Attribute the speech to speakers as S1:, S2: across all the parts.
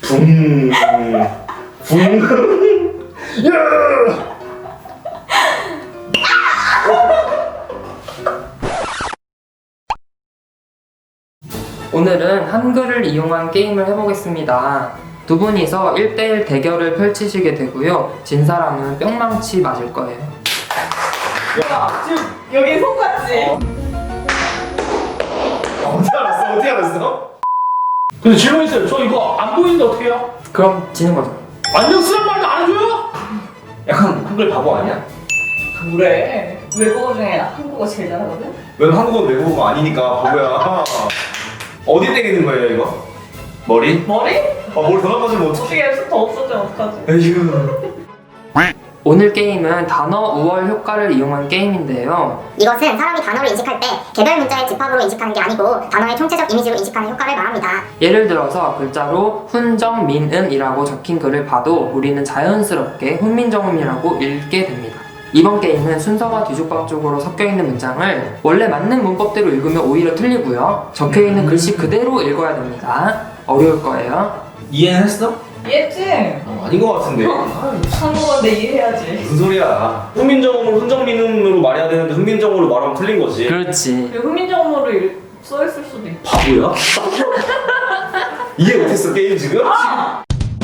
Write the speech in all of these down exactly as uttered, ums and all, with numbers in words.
S1: 붕. 붕. 야!
S2: 오늘은 한글을 이용한 게임을 해보겠습니다. 두 분이서 일 대일 대결을 펼치시게 되고요. 진 사람은 뿅망치 맞을 거예요.
S3: 야, 지금 여기 손같지?
S1: 어, 어떻게 알았어? 어떻게 알았어?
S4: 근데 질문 있어요. 저 이거 안 보이는데 어떻게 해요?
S2: 그럼 지는 거죠.
S4: 안녕 쓰란 말도 안 해줘요?
S1: 약간 한글 바보 아니야?
S3: 그래. 외국어 중에 한국어 제일 잘하거든?
S1: 넌 한국어 외국어가 아니니까 바보야. 어디 때리는 거예요 이거? 머리?
S3: 머리?
S1: 아 머리 더 나빠지면 어떡해?
S3: 어떻게 해서 더 없어지면 어떡하지?
S1: 에휴.
S2: 오늘 게임은 단어 우월 효과를 이용한 게임인데요.
S5: 이것은 사람이 단어를 인식할 때 개별 문자의 집합으로 인식하는 게 아니고 단어의 총체적 이미지로 인식하는 효과를 말합니다.
S2: 예를 들어서 글자로 훈정민음이라고 적힌 글을 봐도 우리는 자연스럽게 훈민정음이라고 읽게 됩니다. 이번 게임은 순서가 뒤죽박죽으로 섞여있는 문장을 원래 맞는 문법대로 읽으면 오히려 틀리고요. 적혀있는 글씨 그대로 읽어야 됩니다. 어려울 거예요.
S1: 이해는 했어?
S3: 이해했지?
S1: 어, 아닌 것 같은데.
S3: 한국어인데 이해해야지.
S1: 무슨 소리야? 훈민정음으로 훈정민음으로 말해야 되는데 훈민정음으로 말하면 틀린 거지.
S2: 그렇지.
S3: 훈민정음으로 일- 써있을 수도 있고.
S1: 바보야? 이해 못했어 게임 지금?
S3: 아!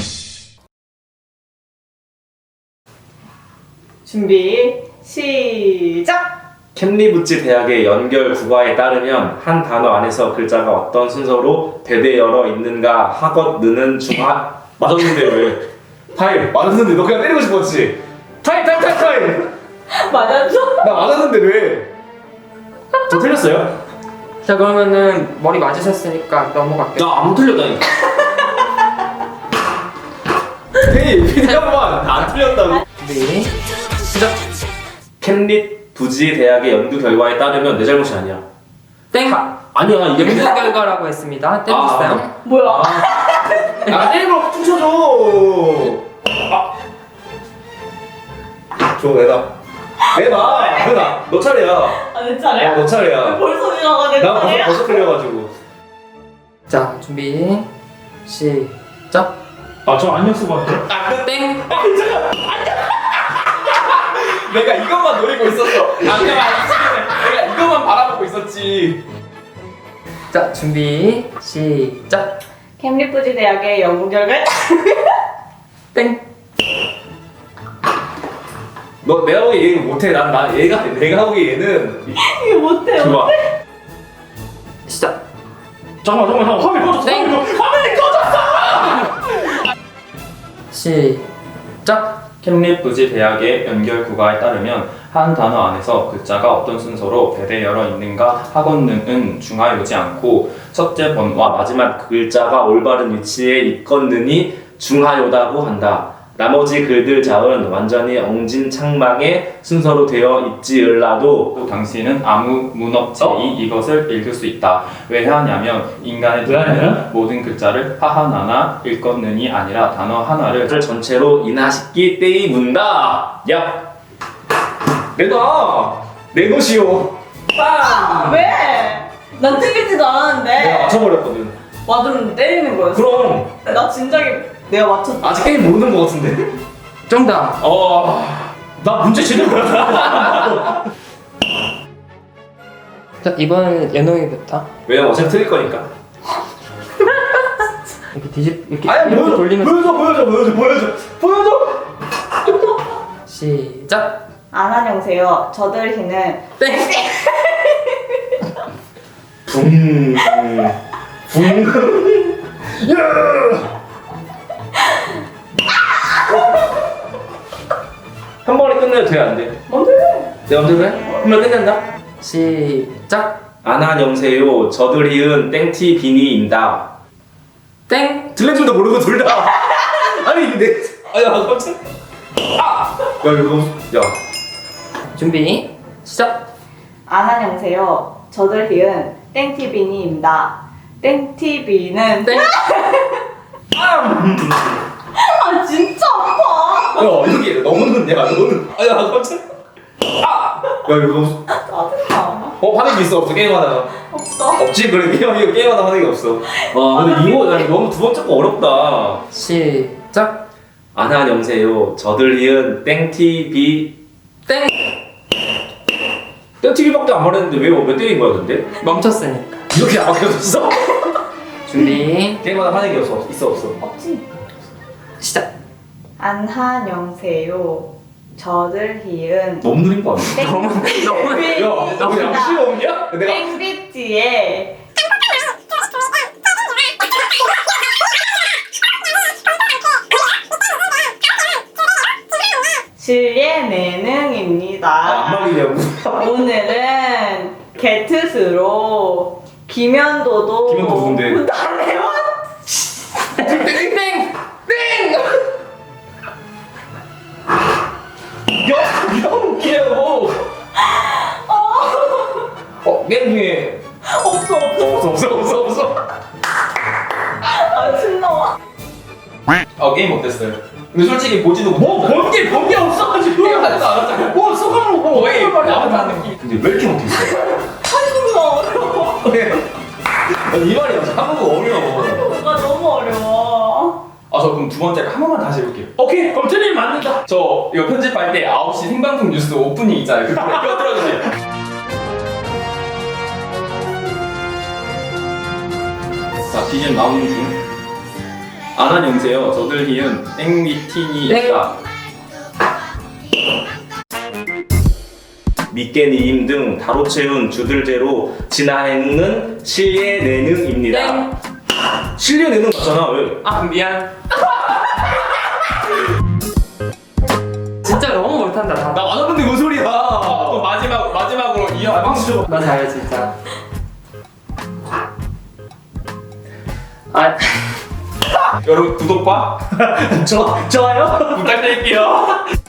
S3: 준비, 시작!
S1: 캠리부츠 대학의 연결 국어에 따르면 한 단어 안에서 글자가 어떤 순서로 대대열어 있는가 하것느는 중하 맞았는데 왜? 타임 맞았는데 너 그냥 때리고 싶었지? 타임 타임 타임 타임
S3: 맞았어?
S1: 나 맞았는데 왜? 저 틀렸어요?
S2: 자, 그러면은 머리 맞으셨으니까 넘어갈게요.
S1: 나 안 틀렸다니까. 헤이 피디한번 안 틀렸다고.
S2: 준비, 시작!
S1: 캠리부츠 대학의 연구 결과에 따르면 내 잘못이 아니야.
S2: 땡!
S1: 아니야 이게
S2: 연구 결과라고 했습니다. 땡겼어요?
S3: 뭐야?
S1: 아, 때리고 퉁쳐줘. 아. 줘, 내놔. 내놔. 내놔. 너 차례야.
S3: 아, 내 차례야?
S1: 어, 너 차례야.
S3: 벌써 지나가 내
S1: 나 벌써,
S3: 차례야?
S1: 벌써 틀려가지고.
S2: 자, 준비, 시작!
S4: 아, 저 안녕 쓰고 할게요.
S2: 땡!
S1: 내가 이것만 노리고 있었어. 아, 그냥 안 치네. 내가 이것만 바라보고 있었지.
S2: 자, 준비, 시작!
S3: 캠리프지 대학의 연구 결과
S2: 땡!
S1: 너 내가 보기에 얘는 못해. 난, 난 얘가, 내가 보기에 얘는.
S3: 이거 못해
S1: 좋아.
S3: 못해
S2: 시작!
S4: 잠깐만, 잠깐만, 잠깐만. 화면 꺼졌어.
S2: 땡!
S4: 화면 꺼- 화면이 꺼졌어!
S2: 시작!
S6: 캠리부지 대학의 연결 국어에 따르면 한 단어 안에서 글자가 어떤 순서로 대대열어 있는가 하건는은 중하여지 않고 첫째 번와 마지막 글자가 올바른 위치에 있건느니 중하여다고 한다. 나머지 글들 자은 완전히 엉진창망의 순서로 되어 있지을라도 당신은 아무 문업체이
S1: 어?
S6: 이것을 읽을 수 있다. 왜 하냐면 인간의
S4: 왜 하냐?
S6: 눈에는 모든 글자를 하하나나 읽건는이 아니라 단어 하나를
S1: 전체로 인하시기 때문다. 야, 내놔. 내놓으시오.
S3: 아, 왜? 난 틀리지도
S1: 내가
S3: 않았는데
S1: 맞춰버렸거든.
S3: 맞으면 때리는 거였어.
S1: 그럼
S3: 나 진작에 내가 맞췄다.
S1: 아직 게임 모르는 거 같은데?
S2: 정답!
S1: 어,
S4: 나 문제 제대로 몰랐어.
S2: 자, 이번엔 연홍이부터.
S1: 왜냐면 어차피 틀릴 거니까.
S2: 이렇게 뒤집, 이렇게,
S1: 아니
S2: 이렇게
S1: 보여줘,
S2: 돌리면서.
S1: 보여줘, 보여줘, 보여줘, 보여줘, 보여줘.
S2: 시작!
S3: 안녕하세요. 저들 희는
S2: 땡!
S1: 붕, 붕. 야! 한 번에 끝내도 돼, 안 돼?
S3: 뭔데?
S1: 내 맘대로 해? 한 번에 끝낸다?
S2: 시작!
S1: 안녕하세요. 저들이은 땡티 비니입니다.
S2: 땡!
S1: 들려줄도 모르고 둘 다. 아니 이게 내. 아야 깜짝. 아. 야 이거 야.
S2: 준비, 시작!
S3: 안녕하세요. 저들 희은 땡티비니입니다. 땡티비는
S2: 땡!
S3: 아 진짜 아파.
S1: 야 여기 너는 야 너는. 아야 깜짝. 아. 야 이거
S3: 짜증나.
S1: 어 화내기 있어 없어 게임 하다가.
S3: 없어.
S1: 없지 그래 게임 이거 게임하다 하는 게 없어. 와 근데 이거 야, 너무 두 번째 거 어렵다.
S2: 시작.
S1: 안녕하세요. 저들 이은 땡티비
S2: 땡.
S1: 땡티비밖에 안 말했는데 왜 몇 대인 거야 근데?
S2: 멈췄으니까.
S1: 이렇게 안 바뀌어졌어?
S2: 준비.
S1: 게임하다 하는 게 없어. 있어 없어.
S3: 없지.
S2: 시작.
S3: 안녕하세요. 저들 희은
S1: 너무 느린 거 아니야?
S3: 땡.
S2: 너무 너무
S1: 야, 너 양심 없냐? 내가
S3: 땡비지의 실례 내능입니다.
S1: 아, 안 말리냐고.
S3: 오늘은 게트스로 김현도도
S1: 김현도 누군데?
S3: 나래요?
S2: 땡. 땡.
S1: 야, 야 웃기냐고. 어, 게임 중에
S3: 없어 없어.
S1: 없어 없어 없어 없어.
S3: 아 신나와.
S6: 어 게임 어땠어요? 근데 솔직히 보지도
S4: 뭐 본게 본게 없어가지고.
S6: 게임하지도 않았잖아.
S4: 뭐 소감으로 뭐
S6: 거의
S4: 어떤 말이야?
S6: 나만 느낌.
S1: 근데 왜 이렇게 못했어?
S3: 한국어 어려워.
S1: 아니, 이 말이 한국어 어려워.
S3: 한국어가 너무 어려워.
S6: 아 저 그럼 두 번째 한 번만 다시 해볼게요.
S4: 오케이 그럼 틀리면 맞는다.
S6: 저 이거 편집할 때 아홉 시 생방송 뉴스 오프닝 있잖아요. 그거 껴들어주세요. 자, 비전 나오는 중. 안녕하세요. 저들 희은 땡미팅이다.
S1: 밑개니임 등 다로 채운 주들제로 진화행은 실례 내능입니다.
S2: 땡.
S1: 실례 내능 맞잖아 왜?
S2: 아 미안. 진짜 너무 못한다. 다.
S1: 나 맞았는데 뭔 소리야?
S6: 또 마지막 마지막으로 이어.
S1: 아, 박수 줘.
S2: 나 잘해 진짜. 아.
S6: 여러분 구독과
S1: 저 좋아요?
S6: 부탁드릴게요.